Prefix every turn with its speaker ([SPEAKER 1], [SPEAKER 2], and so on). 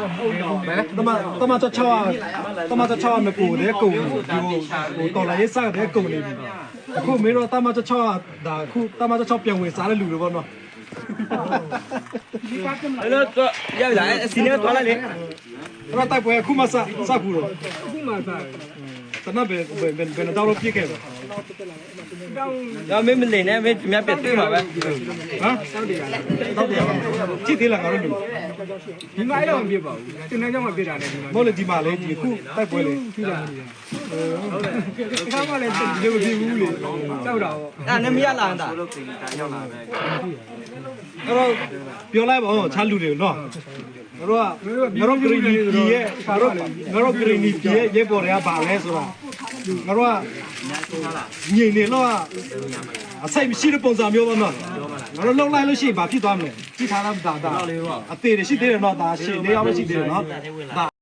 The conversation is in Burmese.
[SPEAKER 1] တမချချောမကူတဲ့ကုံဒီတော်လာရေးစားတဲ့ကုံနေပြီအခုမင်းတို့တမချချောဒါအခုတမချချောပြန်ဝင်စားတဲ့လူတွေပေါ့နော်
[SPEAKER 2] အဲ့တော့ရောက်လာအစီနဲ့သွားလိုက်လေ
[SPEAKER 1] တော့တိုက်ပွဲအခုမှစကူတော့အခုမှစတနဘယ်တော့ပြည့်ခဲ့တော့
[SPEAKER 2] ဒါမင်းမနေနဲ့မင်းမြတ်ပြတွေ့မှာပဲ
[SPEAKER 1] ဟမ်တောက်တယ်ကြည့်သေးလားငါတို့
[SPEAKER 3] ဒီမှာအဲ့တော့မပြပါဘူးတင်တန်းကြောင့်မပြတာနဲ့ဒီမှာ
[SPEAKER 1] မဟုတ်လေဒီမှာလေဒီခုတိုက်ပွဲလေ
[SPEAKER 3] ပြတာမလို့ဟုတ်တယ်ခါမှလည်းဒီလိုမဖြစ်ဘူးလေတောက်တာပေါ့
[SPEAKER 2] အဲ့နဲ့မရလာတာ
[SPEAKER 1] အဲ့တော့ပြောလိုက်ပါဦးချားလူတွေနော်ငါတို့ကဂရီနီပြည်ရဲ့ငါတို့ဂရီနီပြည်ရဲ့ရဲပေါ်တွေကဘာလဲဆိုတာငါတို့ကညင်နေတော့အဆိုင်မရှိတဲ့ပုံစံမျိုးပါနော်ငါတို့လှုပ်လိုက်လို့ရှိရင်ဘာဖြစ်သွားမလဲကြည့်ထားလားဒါအသေးတွေရှိသေးတယ်နော်ဒါရှင်းနေအောင်ရှိသေးတယ်နော်